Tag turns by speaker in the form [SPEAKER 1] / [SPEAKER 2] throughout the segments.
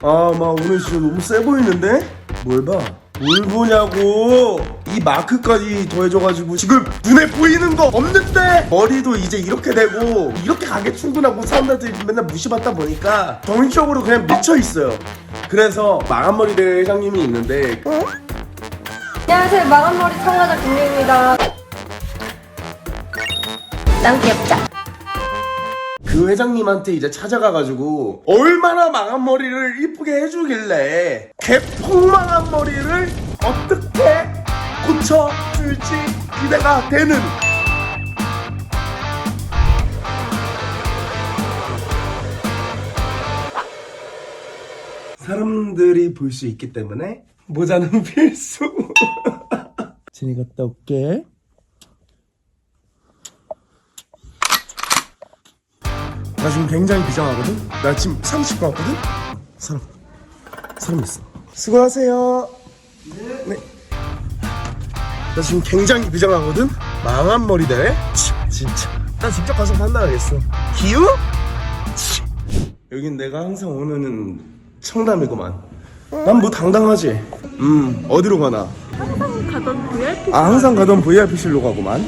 [SPEAKER 1] 아, 막 오늘 진짜 너무 세 보이는데? 뭘 봐? 뭘 보냐고! 이 마크까지 더해져가지고 지금 눈에 보이는 거 없는데! 머리도 이제 이렇게 되고 이렇게 가게 충분하고 사람들이 맨날 무시받다 보니까 정신적으로 그냥 미쳐있어요. 그래서 망한머리 대 회장님이 있는데
[SPEAKER 2] 안녕하세요. 마감머리 참가자 김유입니다. 난 귀엽자.
[SPEAKER 1] 그 회장님한테 이제 찾아가가지고 얼마나 망한 머리를 이쁘게 해주길래 개폭망한 머리를 어떻게 고쳐줄지 기대가 되는 사람들이 볼 수 있기 때문에 모자는 필수. 진이 갔다 올게. 나 지금 굉장히 비장하거든? 나 지금 30분 왔거든? 사람 있어. 수고하세요. 네. 나 지금 굉장히 비장하거든? 망한 머리 대회? 진짜. 나 직접 가서 판단하겠어. 기우? 여긴 내가 항상 오는 청담이구만. 난 뭐 당당하지? 어디로 가나?
[SPEAKER 2] 항상 가던 VIP.
[SPEAKER 1] 아, 항상 가던 VIP실로 가구만.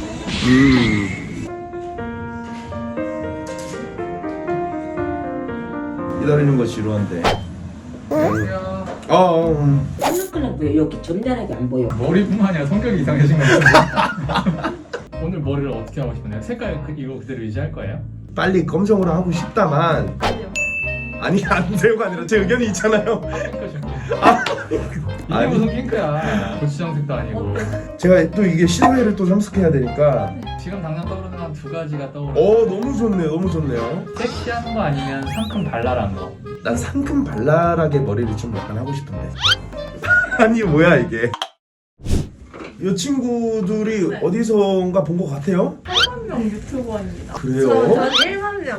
[SPEAKER 1] 기다리는 거 지루한데.
[SPEAKER 3] 안녕하세요.
[SPEAKER 4] 깜짝깜짝 왜 이렇게 점잖하게 안 보여?
[SPEAKER 3] 머리뿐만 아니라 성격이 이상해진 것 같은데. 오늘 머리를 어떻게 하고 싶나요? 색깔 이거 그대로 유지할 거예요?
[SPEAKER 1] 빨리 검정으로 하고 싶다만. 아니, 안 돼요가 아니라 제 의견이 있잖아요.
[SPEAKER 3] 핑크 좀. 이게
[SPEAKER 1] 아니.
[SPEAKER 3] 무슨 핑크야? 고추장색도 아니고.
[SPEAKER 1] 제가 또 이게 실외를 또 참석해야 되니까.
[SPEAKER 3] 지금 당장 떠오르는 한 두 가지가 떠오르.
[SPEAKER 1] 너무 좋네요. 너무 좋네요.
[SPEAKER 3] 섹시한 거 아니면 상큼 발랄한 거.
[SPEAKER 1] 난 상큼 발랄하게 머리를 좀 약간 하고 싶은데. 아니, 뭐야 이게. 이 친구들이
[SPEAKER 2] 네.
[SPEAKER 1] 어디선가 본 것 같아요?
[SPEAKER 2] 1만명 유튜버입니다.
[SPEAKER 1] 그래요?
[SPEAKER 2] 저는 1만명.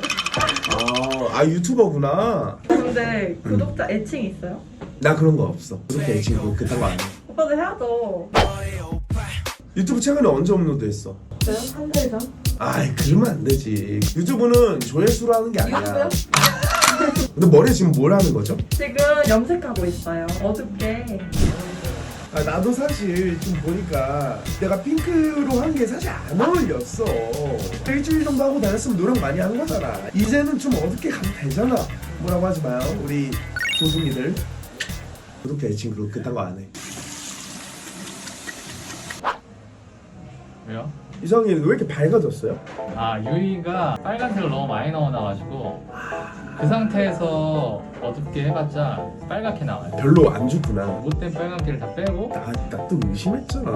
[SPEAKER 1] 유튜버구나.
[SPEAKER 2] 근데 구독자 애칭 있어요?
[SPEAKER 1] 나 그런 거 없어. 그렇게 애칭 그딴 거 안 해.
[SPEAKER 2] 오빠도 해야죠.
[SPEAKER 1] 유튜브 최근에 언제 업로드했어?
[SPEAKER 2] 저요? 한 달 전?
[SPEAKER 1] 아이, 그러면 안 되지. 유튜브는 조회수로 하는 게 아니야.
[SPEAKER 2] 이거요?
[SPEAKER 1] 근데 머리에 지금 뭘 하는 거죠?
[SPEAKER 2] 지금 염색하고 있어요. 어둡게.
[SPEAKER 1] 나도 사실 좀 보니까 내가 핑크로 한 게 사실 안 어울렸어. 일주일 정도 하고 다녔으면 노력 많이 한 거잖아. 이제는 좀 어둡게 가도 되잖아. 뭐라고 하지 마요, 우리 조승이들. 구독자 애칭 그딴 거 안 해.
[SPEAKER 3] 왜요?
[SPEAKER 1] 이성이는 왜 이렇게 밝아졌어요?
[SPEAKER 3] 아, 유이가 빨간색을 너무 많이 넣어놔가지고 그 상태에서 어둡게 해봤자 빨갛게 나와요.
[SPEAKER 1] 별로 안 좋구나.
[SPEAKER 3] 못된 빨간기를 다 빼고.
[SPEAKER 1] 나 또 의심했잖아.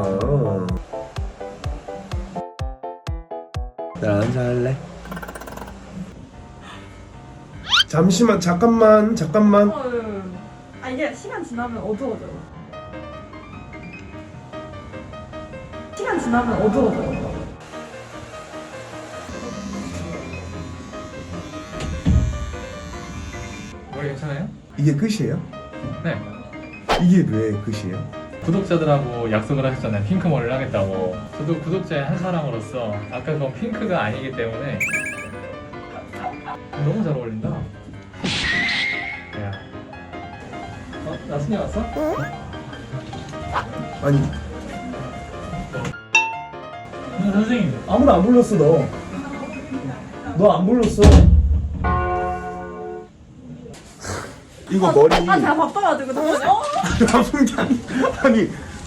[SPEAKER 1] 나 앉아 할래? 잠시만, 잠깐만.
[SPEAKER 2] 아 이게 시간 지나면 어두워져요. 시간 지나면 어두워져요.
[SPEAKER 3] 머리 괜찮아요?
[SPEAKER 1] 이게 끝이에요?
[SPEAKER 3] 네.
[SPEAKER 1] 이게 왜 끝이에요?
[SPEAKER 3] 구독자들하고 약속을 하셨잖아요. 핑크 머리를 하겠다고. 저도 구독자의 한 사람으로서 아까 그건 핑크가 아니기 때문에 너무 잘 어울린다. 야. 나순이 왔어?
[SPEAKER 1] 아니,
[SPEAKER 3] 선생님.
[SPEAKER 1] 아무도 안 불렀어. 너 안 불렀어. 이거 머리
[SPEAKER 2] 제가 바빠가지고 잠깐만요.
[SPEAKER 1] 나쁜 게 아니,